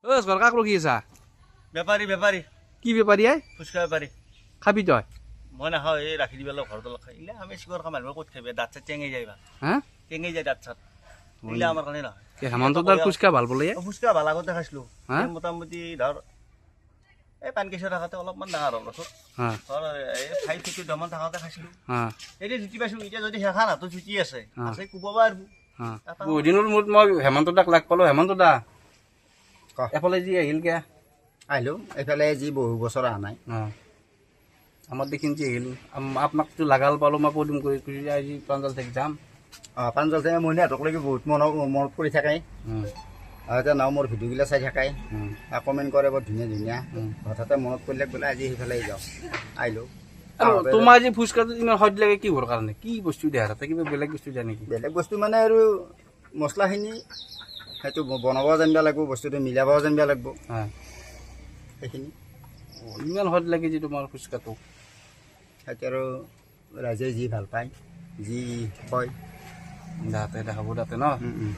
ও সরকার কি আছা বেপাৰী বেপাৰী কি বেপাৰী আই ফুচকা বেপাৰী খাবি তই মই নাখাওঁ এই ৰাখি দিবলৈ ঘৰত অলপ খাই ইলে আমি চিকৰ খাম মানুহে ক'ত খাবি দাঁত চাত টেঙি যায় বা হা টেঙি যায় দাঁত চাত ইলে আমাৰ কাৰণে নহয় হেমন্তদাৰ ফুচকা ভাল বোলে ফুচকা ভাল আগতে খাইছিলোঁ মোটামুটি ধৰ এই পানকেশ্বৰ থাকোঁতে অলপমান ডাঙৰ হ'ল বছৰ ধৰ এই 5-6 মান থাকোঁতে খাইছিলোঁ এতিয়া জুতি পাইছোঁ এতিয়া যদি শেষা নাতো জুতি আছে আছে কোব পাৰিব বহুত দিনৰ মূৰত মই হেমন্তদাক লাগ পালোঁ হেমন্তদা এফালে যি আহিল কে আহিলোঁ এইফালে যি বহু বছৰ অহা নাই আমাৰ দেখিন যি আহিল আপোনাকতো লাগাল পালোঁ মই পদুম কৰি কৰি আজি প্ৰাঞ্জল থেকে যাম প্ৰাঞ্জল থেকে মইনাহঁতকলৈকে বহুত মনত কৰি থাকে এতিয়া নাও মোৰ ভিডিঅ'বিলাক চাই থাকে কমেণ্ট কৰে বৰ ধুনীয়া ধুনীয়া হঠাতে মনত পৰিলে বোলে আজি সেইফালে যাওঁ আহিলোঁ তোমাৰ আজি ফুচকাটো ইমান সদ লাগে কিহৰ কাৰণে কি বস্তু দিয়া তাতে কিবা বেলেগ বস্তু দিয়া নেকি বেলেগ বস্তু মানে আৰু মছলাখিনি সেইটো বনাব জানিব লাগিব বস্তুটো মিলাব জানিব লাগিব সেইখিনি ইমান সদ লাগে যে তোমাৰ ফুচকাটো সেইটো আৰু ৰাইজে যি ভাল পায় যি কয় দাঁতে দেখাব তাতে ন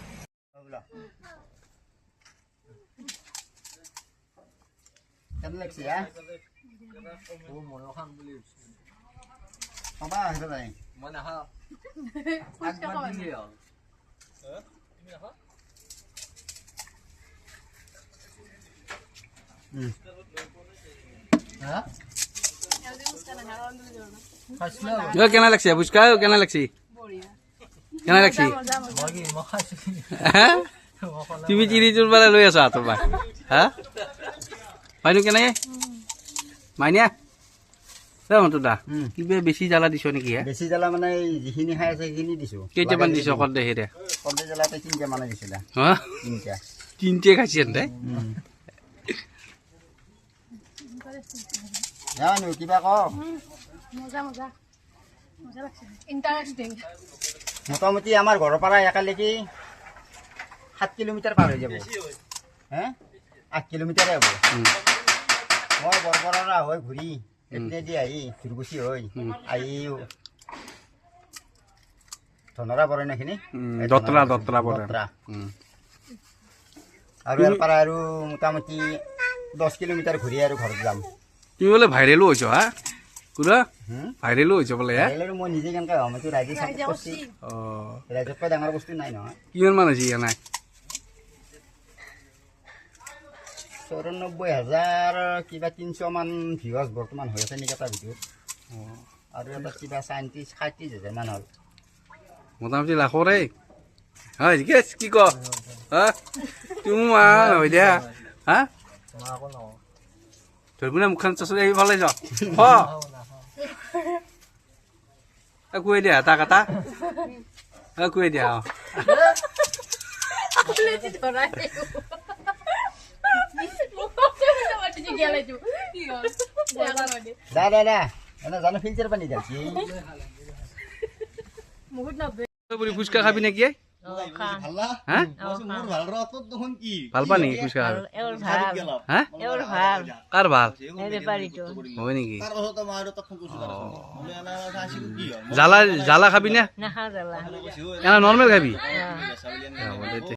কেনে লাগছে খাবা আহিব নাই মই নাখাওঁ কেনে লাগছে ফুচকা কেনে লাগছে কেনে লাগছে তুমি তিৰিটোৰ পৰা লৈ আছা তোমাৰ হা মাইনু কেনে মাইনিয়া হেমন্তদা কিবা বেছি জ্বালা দিছ নেকি বেছি জ্বালা মানে যিখিনি খাই আছে সেইখিনি দিছোঁ কেইটামান দিছ কৰ্দে হেৰে কৰ্দে জ্বালাতে 3টা মানে দিছিলে হা 3টা 3টে খাইছে দে জানো কিবা ক মজা মজা মজা লাগছে ইন্টারেস্টিং মোটামুটি আমাৰ ঘৰৰ পৰা একেলগে 7 কিলোমিটাৰ পাৰ হৈ যাব হে 8 কিলোমিটাৰে হ'ব মই বৰবৰা হৈ ঘূৰি এপিনেদি আহি ধুৰগুচি হৈ আহি ধনৰা পৰে নেখিনি দতৰা পৰে আৰু ইয়াৰ পৰা আৰু মোটামুটি 10 কিলোমিটাৰ ঘূৰি আৰু ঘৰত যাম তুমি বোলে ভাইৰেলো হৈছ হা কুৰা ভাইৰেলো হৈছ বোলে মই নিজে কেনেকৈ হ'ম এইটো ৰাইজে চাপৰ্ট কৰিছে ৰাইজতকৈ ডাঙৰ বস্তু নাই নহয় কিমান মান হৈছে নাই 94,000 কিবা 300 মান ভিউৱাৰ্ছ বৰ্তমান হৈ আছে নেকি এটা ভিডিঅ'ত আৰু এটা কিবা 37,000 মান হ'ল মোটামুটি লাখৰে হয় কি ক হা তুমি হৈ দিয়া হা ধৰিবনে মুখখন চচৰি আহি ভালে যাওঁ কৈ দিয়া এটা কাটা কৈ দিয়া দাদা এনে জানো ফিল্টাৰ পানী যাচ্ছি ফুচকা খাবি নেকি ভাল পা নেকি ফুচকা কাৰ ভাল হয় নেকি জ্বালা খাবি নে নৰ্মেল খাবি